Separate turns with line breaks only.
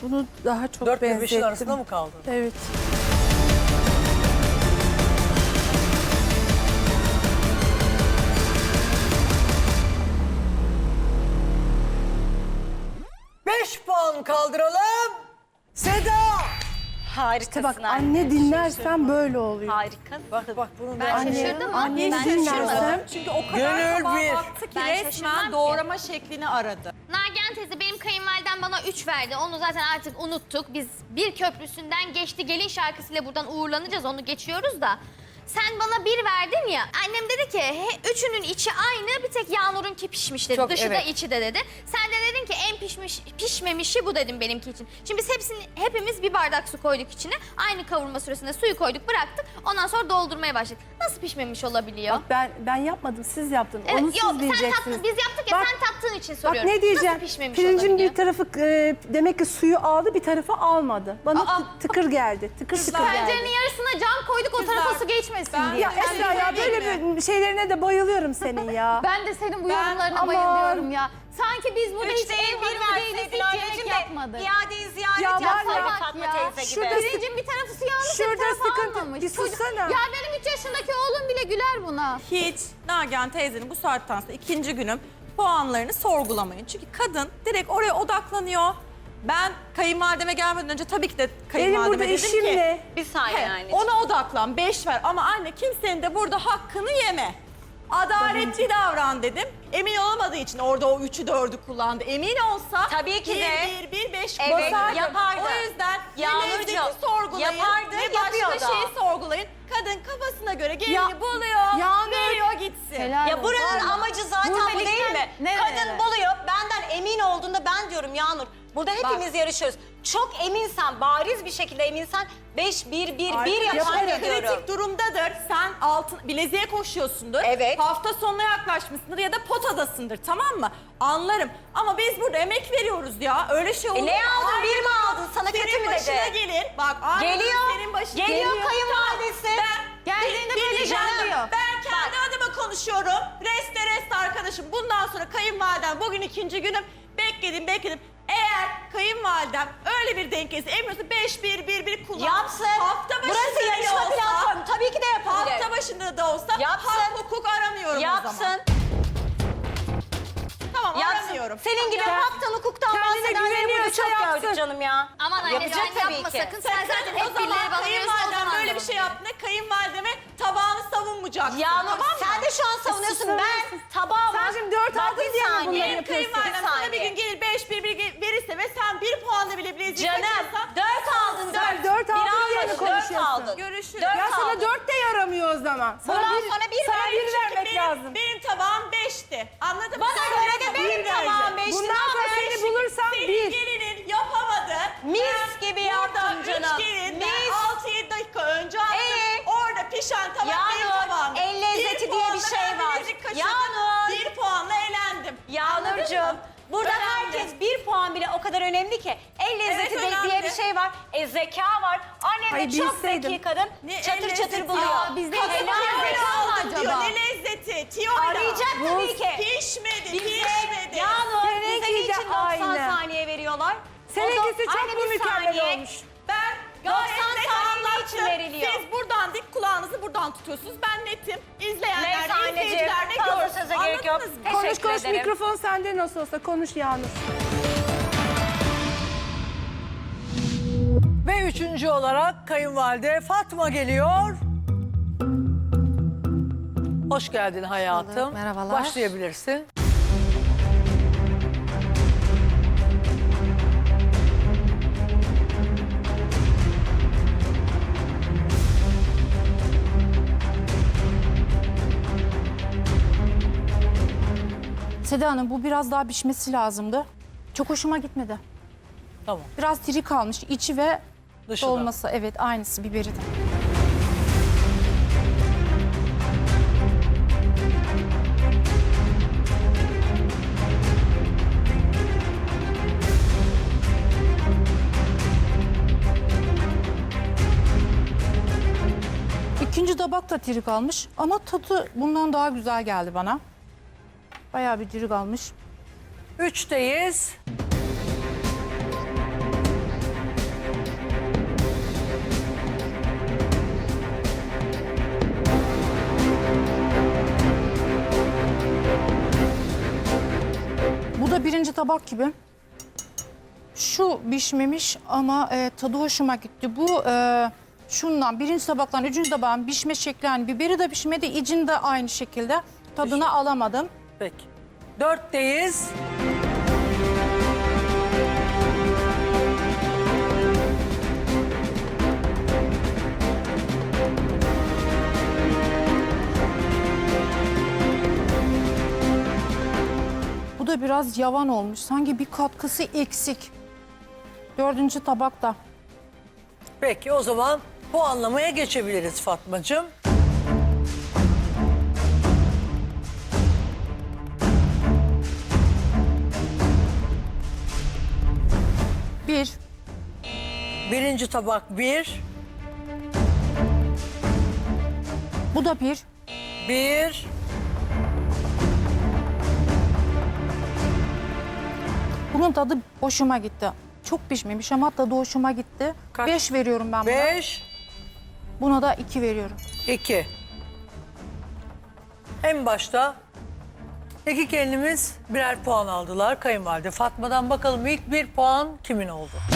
Bunu daha çok
4 ile 5'in
benzettim.
arasında mı kaldın?
Evet.
Beş puan kaldıralım. Seda.
Harikasın
Bak
anne.
anne dinlersen böyle oluyor.
Harikasın.
Bak bunu
Ben
da...
şaşırdım mı?
Anneni
Ben
dinlersen
şaşırmadım.
Çünkü o kadar
Gönül
tabağa
bir.
baktı ki
Ben şaşırmam
resmen
ki.
doğrama şeklini aradı.
Nagihan teyze benim kayınvalidem bana 3 verdi. Onu zaten artık unuttuk. Biz bir köprüsünden geçti gelin şarkısıyla buradan uğurlanacağız. Onu geçiyoruz da. Sen bana 1 verdin ya. Annem dedi ki üçünün içi aynı, bir tek Yağnur'unki pişmiş dedi.
Çok,
Dışı da
evet.
içi de dedi. Sen de dedin ki en pişmemişi bu dedim benimki için. Şimdi biz hepimiz bir bardak su koyduk içine. Aynı kavurma süresinde suyu koyduk, bıraktık. Ondan sonra doldurmaya başladık. Nasıl pişmemiş olabiliyor?
Bak ben yapmadım, siz yaptınız.
Evet,
Onu siz
yok, sen
diyeceksiniz.
tattın, biz yaptık ya,
Bak,
sen tattığın için
Bak
soruyorum.
ne diyeceğim?
Nasıl pişmemiş
Pirincin
olabiliyor?
bir tarafı demek ki suyu aldı, bir tarafı almadı. Bana tıkır geldi. Tıkır tıkır geldi.
Tencerenin yarısına cam koyduk, o tarafa su geçmesin diye.
Ya Esra ya böyle bir şeylerine de bayılıyorum senin ya.
Ben de senin bu yorumlarına
aman.
bayılıyorum ya. Sanki biz burada hiç
Üç değil,
ev
bir
hanımı değiliz,
verseydin
hiç
anneciğim
yemek
de
yapmadık.
iadeyi ziyaret
Ya var
yapsaydın
ya,
Fatma
ya,
teyze gibi.
şurada-
Pirincin bir tarafı su yanmış, bir
Şurada
tarafı
sıkıntı.
almamış.
Bir sussana.
Ya benim 3 yaşındaki oğlum bile güler buna.
Hiç Nagihan teyzenin bu saatten sonra ikinci günüm puanlarını sorgulamayın. Çünkü kadın direkt oraya odaklanıyor. Ben kayınvalideme gelmeden önce tabii ki de
Benim
kayınvalideme
burada
dedim
işim
ki...
ne?
Bir saniye
He,
anneciğim.
ona odaklan, 5 ver ama anne kimsenin de burada hakkını yeme. Adaletli davran dedim. Emin olamadığı için orada o 3'ü 4'ü kullandı. Emin olsa
Tabii ki de.
1-1-1-5
Evet,
basardım.
yapardı.
O yüzden ne
Yağmurcuğum,
lezzeti sorgulayın
yapardı,
ne başka
yapıyor da.
şeyi sorgulayın. Kadın kafasına göre gelini
Ya-
buluyor,
Yağmur.
veriyor gitsin.
Helal
Ya
olsun.
buranın amacı zaten bu değil mi?
nerelere?
Kadın buluyor, benden emin olduğunda ben diyorum Yağnur. Burada hepimiz yarışıyoruz. Çok eminsen, bariz bir şekilde eminsen 5-1-1-1 yapar
Yaparım.
diyorum.
Kritik durumdadır. Sen altın bileziğe koşuyorsundur.
Evet.
Hafta sonuna yaklaşmışsındır ya da potadasındır, tamam mı? Anlarım. Ama biz burada emek veriyoruz ya. Öyle şey olur mu?
Ne aldın?
Aynı
1 mi
puan
aldın? Sana kötü
senin
mü
başına
dedi?
gelir. Bak aynı
Geliyor.
senin başına
Geliyor kayınvalidesi.
Geldiğinde böyle
Geleceğim.
diyor.
Ben kendi adıma konuşuyorum. Rest arkadaşım. Bundan sonra kayınvalidem bugün ikinci günüm. Bekledim. Eğer kayınvalidem öyle bir denk gelirse emriyorsa 5-1-1-1 kullan.
Yapsın.
Hafta başında
Burası
bile
yarışma
olsa,
platformu. Tabii ki de yapabilir.
hafta başında da olsa
Yapsın.
hak hukuk aramıyorum o zaman.
Yapsın.
Tamam
Yapsın.
aramıyorum.
Senin gibi haktan hukuktan
kendine
bahsedenleri burada
güveniyorsa
çok
yapsın.
gördük canım ya.
Aman anne
Yapacak
sen
tabii
yapma
ki.
sakın. Sen zaten
O
hep birileri
zaman
bana veriyorsun, o
kayınvalidem
zaman
böyle bir şey yaptığında kayınvalideme tabağını savunmayacaksın.
Yağmur
tamam mı?
sen de şu an savunuyorsun. Ben tabağı
Sen şimdi 4
Bak,
aldın
bir
diye mi
saniye.
bunları
Benim
yapıyorsun?
kayınvalidem
Bir
sana bir
saniye.
gün gelir 5-1-1 verirse ve sen 1 puanla bile bileziği
Canım
kaçırırsan
4 aldın 4.
Sen 4 aldın diye mi
4
konuşuyorsun?
aldın.
Görüşürüz.
Dört
Ya sana
aldın.
4 de yaramıyor o zaman.
Bundan sonra bir
sana
ver,
bir
çünkü
vermek lazım.
Benim tabağım 5'ti. Anladın mı?
Bana
Sen
göre de
bir
benim
vereceksin.
tabağım 5'ti.
Bundan sonra seni bulursam
Senin
1.
gelinin yapamadı.
Mis gibi yaptın canım.
Burada 3 gelin
Mis.
6-7 dakika önce attım. Orada pişen tabak benim
Yağmur,
tabağımdı.
el lezzeti
Bir
diye bir
puanla
şey
ben
var.
bilezik kaçırdım.
Yağmur.
1 puanla elendim.
Yağmurcuğum burada
Önemli.
herkes 1 puan bile o kadar önemli ki. El lezzeti
Evet,
diye
önemli.
bir şey var. Zeka var. Annem
Ay,
de çok
bilseydim.
zeki kadın.
Ne el
Çatır
lezzeti
çatır buluyor.
ya?
bizde
Helal
hiç
Tiyoyla
var mı
aldım diyor.
acaba?
Ne lezzeti? Tiyoyla.
Arayacak tabii ki.
Pişmedi,
Bize
pişmedi.
Yağmur bize
Seninki de
niçin 90
aynı.
saniye veriyorlar?
Seninkisi çok
Anne,
mu
bir
mükemmel
saniye.
olmuş?
Ben
90
gayet net
saniye için
anlattım.
veriliyor.
Siz buradan dik kulağınızı buradan tutuyorsunuz. Ben netim. İzleyenler
Neyse
de
anneciğim,
izleyiciler de
fazla
görsün.
söze gerek yok.
Anladınız mı?
Teşekkür
Konuş konuş,
ederim.
mikrofon sende nasıl olsa konuş Yağmur.
Ve üçüncü olarak kayınvalide Fatma geliyor. Hoş geldin hayatım.
merhabalar.
Başlayabilirsin.
Seda Hanım bu biraz daha pişmesi lazımdı. Çok hoşuma gitmedi.
Tamam.
Biraz diri kalmış içi ve
Dışı da.
dolması. Evet aynısı biberi de. İkinci tabak da diri kalmış ama tadı bundan daha güzel geldi bana. Bayağı bir diri kalmış.
3'teyiz.
tabak gibi. Şu pişmemiş ama tadı hoşuma gitti. Bu şundan birinci tabaktan üçüncü tabağın pişme şekli, yani biberi de pişmedi, icin de aynı şekilde. Tadını alamadım.
Peki. 4'teyiz.
Bu da biraz yavan olmuş. Sanki bir katkısı eksik. Dördüncü tabakta.
Peki o zaman puanlamaya geçebiliriz Fatmacığım.
Bir.
Birinci tabak 1.
Bu da bir.
1.
Bunun tadı hoşuma gitti. Çok pişmemiş ama tadı hoşuma gitti.
Kaç?
5 veriyorum ben buna.
5.
Buna da 2 veriyorum.
2. En başta iki gelinimiz birer puan aldılar kayınvalide. Fatma'dan bakalım ilk bir puan kimin oldu?